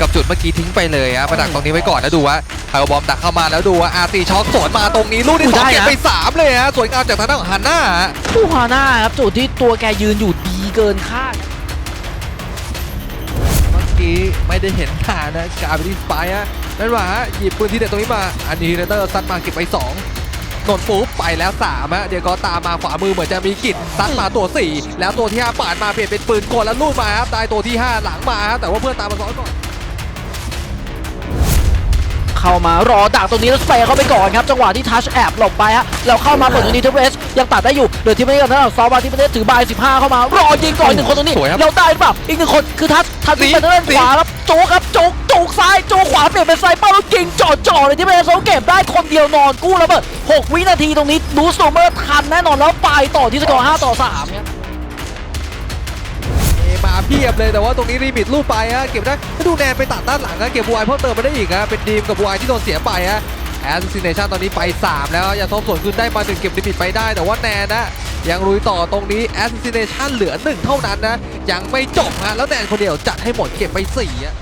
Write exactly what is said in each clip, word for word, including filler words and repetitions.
กับจุดเมื่อกี้ทิ้งไปเลยฮะมาดักตรงนี้ไว้ก่อนแล้วดูว่าไฮบอมดักเข้ามาแล้วดูว่าอาร์ตีช็อคสวนมาตรงนี้ลูกที่สองเก็บไปสามเลยฮะสวยงามจากทางด้านของฮันน่าผู้ฮาน่าครับจุดที่ตัวแกยืนอยู่ดีเกินคาดเมื่อกี้ไม่ได้เห็นฐานนะกาไปที่สไปฮะนั่นว่าหยิบปืนที่เด็ดตรงนี้มาอันนี้เรเตอร์ซัดมาเก็บไปสองนนฟุ๊บไปแล้วสามฮะเดี๋ยวก็ตามมาขวามือเหมือนจะมีกิจซัดมาตัวสี่แล้วตัวที่ห้าปาดมาเปลี่ยนเป็นปืนกลแล้วลูดมาครับตายตัวที่ห้าหลังมาครับแต่ว่าเพื่อนตามมาซ้อนก่อนเข้ามารอดักตรงนี้แล้วสเปรย์เข้าไปก่อนครับจังหวะที่ทัชแอบหลบไปฮะแล้วเข้ามาเปิดตรงนี้ทีเอสยังตัดได้อยู่เดี๋ยวทีมนี้กับทางด้านซอฟต์บาร์ที่ประเทศถือบายสิบห้าเข้ามารอยิงก่อนหนึ่งคนตรงนี้แล้วได้หรือเปล่าอีกหนึ่งคนคือทัชทัชที่เป็นทางด้านขวาครับโจกครับโจกโจกซ้ายโจกขวาเปลี่ยนเป็นไซเปอร์แล้วยิงจ่อจ่อเลยที่ประเทศเขาเก็บได้คนเดียวนอนกู้ระเบิดหกวินาทีตรงนี้ดูสโตเมอร์ทันแน่นอนแล้วไปต่อที่สกอร์ห้าต่อสามครับมาเพียบเลยแต่ว่าตรงนี้รีมิตลูกไปฮะเก็บได้ถ้าดูแนนไปตัดด้านหลังฮะเก็บบูไอเพิ่มเติมมาได้อีกฮะเป็นดีมกับบูไอที่โดนเสียไปฮะแอสซิเนชันตอนนี้ไปสามแล้วอย่าทบส่วนคืนได้มาหนึ่งเก็บลิมิตไปได้แต่ว่าแนนนะยังลุยต่อตรงนี้แอสซิเนชันเหลือหนึ่งเท่านั้นนะยังไม่จบฮะแล้วแนนคนเดียวจัดให้หมดเก็บไปสี่ฮะ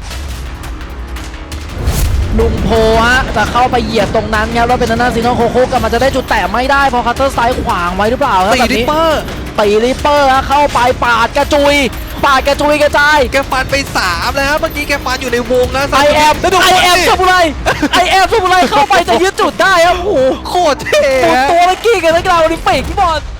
ลุงโพฮะจะเข้าไปเหยียบตรงนั้นครับแล้วเป็นทางด้านซีโนโคโค่กำลังจะได้จุดแตะไม่ได้เพราะคัตเตอร์ไซด์ขวางไว้หรือเปล่าครับตีแบบริปนี้เปอร์ตีริปเปอร์ฮะเข้าไปปาดกระจุยปาดกระจุยกระจายแกฟันไปสามแล้วฮะเมื่อกี้แกฟันอยู่ในวงนะไอแอมแล้วดูไอแอมสมุไรไอแอมสมุไรเข้าไปจะยึดจุดได้ครับโอ้โหโคตรเท่ตัวฮะตัวเมื่อกี้กันนักกีฬาโอลิมปิกพี่บอล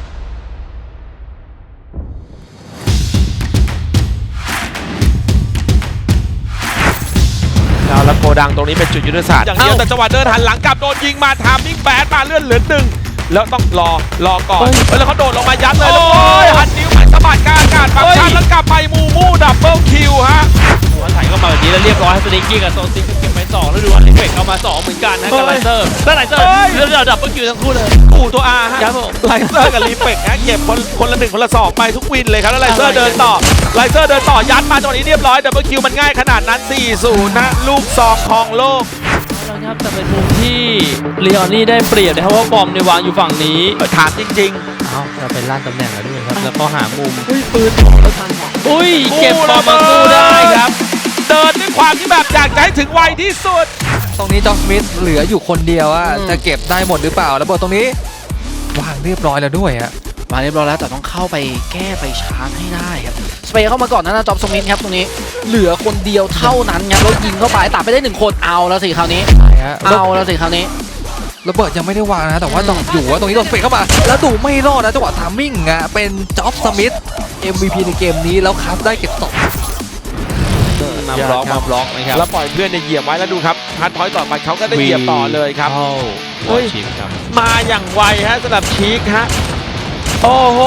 แล้วโกดังตรงนี้เป็นจุดยุทธศาสตร์อย่างเดียวแต่จังหวะเดินหันหลังกลับโดนยิงมาทามมิ่งแบดมาเลื่อนเหลือหนึ่งแล้วต้องรอรอก่อนแล้วเขาโดดลงมายัดเลยแล้วโอ้ยหันนิ้วไปสะบัดกลางอากาศบางชันแล้วกลับไปมูมูดับเบิลคิวฮะหัวไถเข้ามาแบบนี้แล้วเรียบร้อยให้สติงกี้กับโซซิกเก็บไปสองแล้วดูอันลิเฟกเอามาสองเหมือนกันนะกับไลเซอร์แล้วไลเซอร์แล้วเราดับเบิลคิวทั้งคู่เลยกูตัวอาฮะครับผมไลเซอร์กับรีเฟกฮะเก็บคนคนละหนึ่งคนละสองไปทุกวินเลยครับแล้วไลเซอร์เดินต่อไลเซอร์เดินต่อยัดมาจังหวะนี้เรียบร้อยดับเบิลคิวมันง่ายขนาดนั้น สี่ศูนย์ นะลูกซองทองโลกแล้วครับแต่เป็นมุมที่ลีออนนี่ได้เปรียบนะครับว่าบอมในยวางอยู่ฝั่งนี้ถามจริงเอ้าเราเป็นล่านตำแหน่งแล้วด้วยครับแล้วก็หามุมๆอุ้ยปืนอุ้ยเก็บบอมมาสู้ได้ครับเดินด้วยความที่แบบอยากจะให้ถึงไวที่สุดตรงนี้จ็อกสมิธเหลืออยู่คนเดียวอะจะเก็บได้หมดหรือเปล่าแล้วบอลตรงนี้วางเรียบร้อยแล้วด้วยฮะมาเรียบร้อยแล้วแต่ต้องเข้าไปแก้ไปชาร์จให้ได้ครับสเปย์เข้ามาก่อนนะนะจอบสมิธครับตรงนี้เหลือคนเดียวเท่านั้นครับแล้วยิงเข้าไปตัดไปได้หนึ่งคนเอาแล้วสิคราวนี้ใช่ฮะเอาแล้วสิคราวนี้ระเบิดยังไม่ได้วางนะแต่ว่าต้องอยู่ว่าตรงนี้โดนสเปกเข้ามา แล้วดูไม่รอดนะจังหวะทามมิ่งอะเป็นจ็อบสมิธ เอ็ม วี พี ในเกมนี้แล้วคัสได้เก็บสองมาบล็อกมาบล็อกนะครับแล้วปล่อยเพื่อนเนี่ยเหยียบไว้แล้วดูครับทันพอยต์ต่อไปเขาก็ได้เหยียบต่อเลยครับเข้าเฮ้ยชิมครับมาอย่างไวฮะสำหรับชีคฮะโอ้โห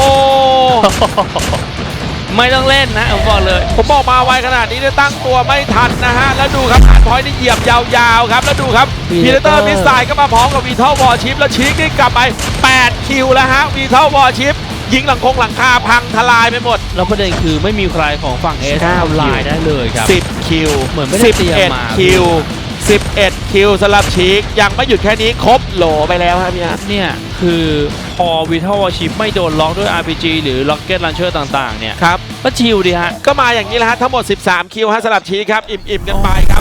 ไม่ต้องเล่นนะผมบอกเลยผมบอกมาไวขนาดนี้เนี่ยตั้งตัวไม่ทันนะฮะแล้วดูครับทันพอยต์นี่เหยียบยาวๆครับแล้วดูครับพีเตอร์มิสไซล์ก็มาพร้อมกับวีทัลวอร์ชิปแล้วชีคนี่กลับไปแปดคิวแล้วฮะวีทัลวอร์ชิปยิงหลังคงหลังคาพังทลายไปหมดแล้วประเด็นคือไม่มีใครของฝั่งเอสเก้าทำลายได้เลยครับสิบคิวเหมือนไม่ได้เตรียมมาสิบเอ็ดคิวสิบเอ็ดคิวสำหรับชีคยังไม่หยุดแค่นี้ครบโหลไปแล้วครับพี่อาร์ตเนี่ยคือพอวิทัลวอชิปไม่โดนล็อกด้วย อาร์ พี จี หรือล็อกเก็ตลันเชอร์ต่างๆเนี่ยครับก็ชิลดีฮะก็มาอย่างนี้แหละฮะทั้งหมดสิบสามคิวฮะสำหรับชีคครับอิ่มๆกันไปครับ